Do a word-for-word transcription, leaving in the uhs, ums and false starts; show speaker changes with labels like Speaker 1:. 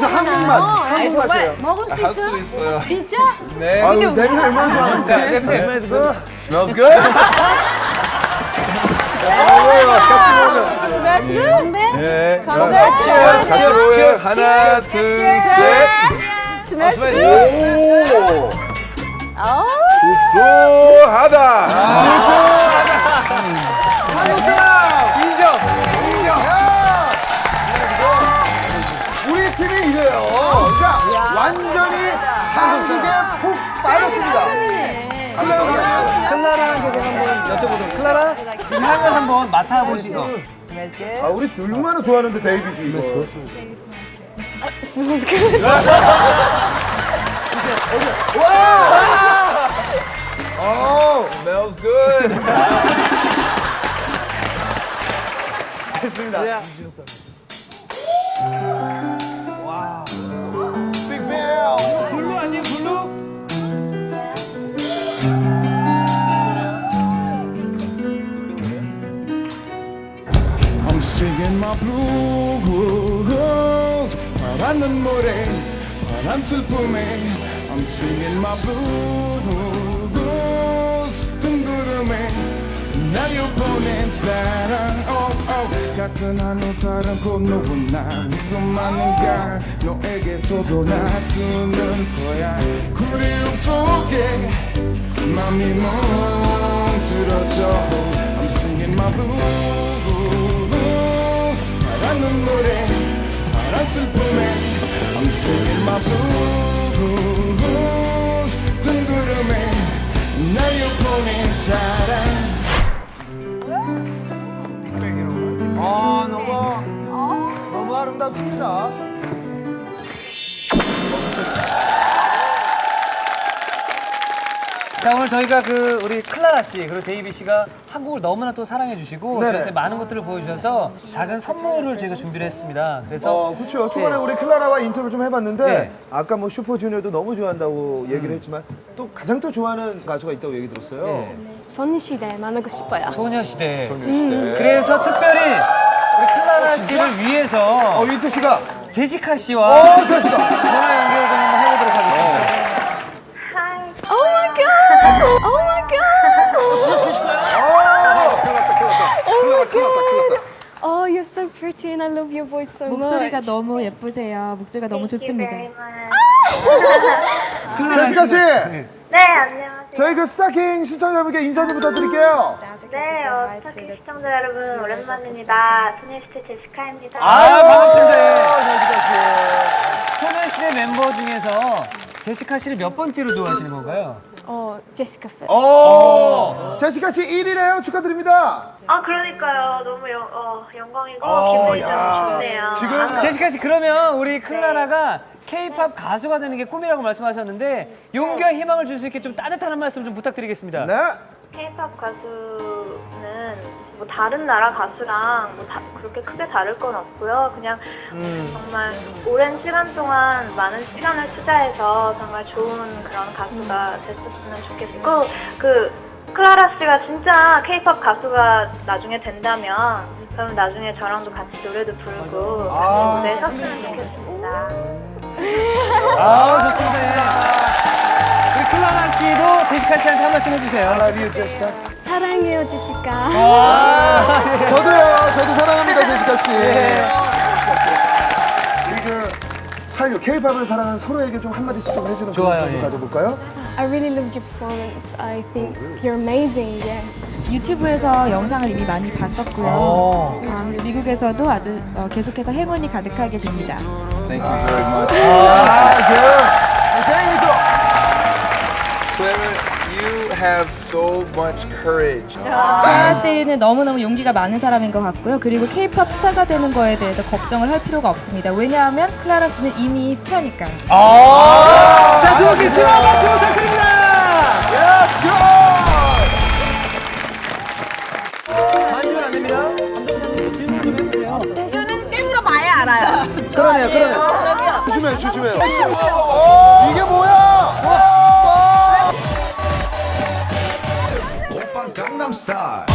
Speaker 1: 여기서 한국맛, 한국 맛이에요.
Speaker 2: 먹을 수
Speaker 3: 할 수
Speaker 2: 있어요?
Speaker 3: 있어요.
Speaker 2: 진짜?
Speaker 3: 네.
Speaker 1: 아유, 냄새 얼마나 좋아하는데.
Speaker 3: 냄새.
Speaker 1: Smells good.
Speaker 3: Smells good? 먹어요. 같이 먹어요.
Speaker 2: 스베스?
Speaker 3: 네.
Speaker 2: 건배.
Speaker 3: 같이 먹어요. 하나, 둘, 셋.
Speaker 2: 스베스?
Speaker 3: 오!
Speaker 2: 어.
Speaker 3: 구수하다.
Speaker 1: 한국 사람!
Speaker 3: 인정. 인정.
Speaker 1: 우리 팀이 이래요. 그러니까 완전히 한국에 푹 빠졌습니다.
Speaker 4: 클라라한테 제가 한번 여쭤보도록. 클라라, 이 향을 한번 맡아보시고.
Speaker 1: 아, 우리 얼마나 좋아하는데, 데이빗이 이거. 와! 어,
Speaker 3: Smells good.
Speaker 1: 됐습니다. 빅벨!
Speaker 4: 블루 아니에요, 블루?
Speaker 5: I'm singing my blues 파란 눈물에 파란 슬픔에 I'm singing my blues 둥구름에 날려 보낸 사랑 oh, oh. 같은 하늘 다른 꽃노은 나 위험하는가 너에게서도 놔두는 거야 그리움 속에 맘이 멈들어져 I'm singing my blues 파란 눈물에 파란 슬픔에 I'm singing my blues 둥구름에 날려 보낸 사랑
Speaker 1: 아, 너무, 너무 아름답습니다.
Speaker 4: 자, 오늘 저희가 그 우리 클라라 씨 그리고 데이비 씨가 한국을 너무나 또 사랑해 주시고
Speaker 1: 네네.
Speaker 4: 저한테 많은 것들을 보여주셔서 작은 선물을 저희가 준비를 했습니다. 그래서
Speaker 1: 어, 그렇죠. 초반에
Speaker 4: 네.
Speaker 1: 우리 클라라와 인터뷰 좀 해봤는데
Speaker 4: 네.
Speaker 1: 아까 뭐 슈퍼주니어도 너무 좋아한다고 얘기를 했지만 또 가장 또 좋아하는 가수가 있다고 얘기 들었어요.
Speaker 4: 네.
Speaker 2: 소녀시대 만나고 싶어요.
Speaker 4: 소녀시대.
Speaker 3: 소녀시대.
Speaker 4: 그래서 특별히 우리 클라라 씨를 위해서
Speaker 1: 어, 이태 씨가
Speaker 4: 제시카 씨와
Speaker 1: 어, 저 씨가
Speaker 4: 전화 연결 좀 한번 해보도록 하겠습니다.
Speaker 2: Oh my god! Oh my god! Oh my god! Oh, you're so pretty and I love your voice so
Speaker 6: 목소리가
Speaker 2: much.
Speaker 6: 너무 예쁘세요. 목소리가 너무 좋습니다.
Speaker 1: 제시카 씨,
Speaker 7: 네, 안녕하세요.
Speaker 1: 저희 그 스타킹 시청자분께 인사 좀 부탁드릴게요.
Speaker 7: 네, 어, 스타킹 시청자 여러분, 오랜만입니다. 소녀시대 제시카입니다.
Speaker 4: 아유, 반갑습니다.
Speaker 1: 제시카 씨.
Speaker 4: 소녀시대 멤버 중에서 제시카 씨를 몇 번째로 좋아하시는 건가요?
Speaker 2: 어, 제시카 팬.
Speaker 1: 어, 제시카 씨 일 위래요. 축하드립니다.
Speaker 7: 아, 그러니까요. 너무 영, 어, 영광이고
Speaker 1: 어,
Speaker 7: 기분이
Speaker 1: 야.
Speaker 7: 너무 좋네요.
Speaker 1: 지금
Speaker 4: 제시카 씨 그러면 우리 클라라가 K-팝 가수가 되는 게 꿈이라고 말씀하셨는데 용기와 희망을 줄 수 있게 좀 따뜻한 한 말씀 좀 부탁드리겠습니다.
Speaker 1: 네.
Speaker 7: K-팝 가수는 뭐 다른 나라 가수랑 뭐 다, 그렇게 크게 다를 건 없고요. 그냥 정말 오랜 시간 동안 많은 시간을 투자해서 정말 좋은 그런 가수가 됐었으면 좋겠고 그 클라라 씨가 진짜 K-팝 가수가 나중에 된다면 그럼 나중에 저랑도 같이 노래도 부르고 같이
Speaker 1: 아.
Speaker 7: 무대에 섰으면 좋겠습니다.
Speaker 4: 아, 좋습니다. 우리 클라라 씨도 제시카 씨한테 한 말씀 해주세요.
Speaker 1: I love you, 제시카.
Speaker 2: 사랑해요, 제시카.
Speaker 4: 아,
Speaker 1: 저도요. 저도 사랑합니다, 제시카 씨. 우리 그 한류 K-팝을 사랑하는 서로에게 좀 한마디씩 좀 해주는 그런
Speaker 4: 좋아요,
Speaker 1: 시간 좀
Speaker 4: 예.
Speaker 1: 가져볼까요?
Speaker 2: I really loved your performance. I think you're amazing. Yeah.
Speaker 6: 유튜브에서 영상을 이미 많이 봤었고요.
Speaker 4: 어.
Speaker 6: 아, 미국에서도 아주 어, 계속해서 행운이 가득하게 빕니다.
Speaker 3: Thank you very much.
Speaker 1: 아, 그. 굉장히 또.
Speaker 3: Clara, you have so much courage.
Speaker 6: 클라라 씨는 너무너무 용기가 많은 사람인 것 같고요. 그리고 K-팝 스타가 되는 거에 대해서 걱정을 할 필요가 없습니다. 왜냐하면 클라라 씨는 이미 스타니까요.
Speaker 4: 아. 자, 두 분께 수고 박수 부탁드립니다.
Speaker 1: Let's go!
Speaker 4: 관심은 안 됩니다. 감독님 질문 좀 해보세요.
Speaker 1: 그러네요, 그러네요. 조심해요, 조심해요. 이게 뭐야?
Speaker 8: 오빤 강남스타일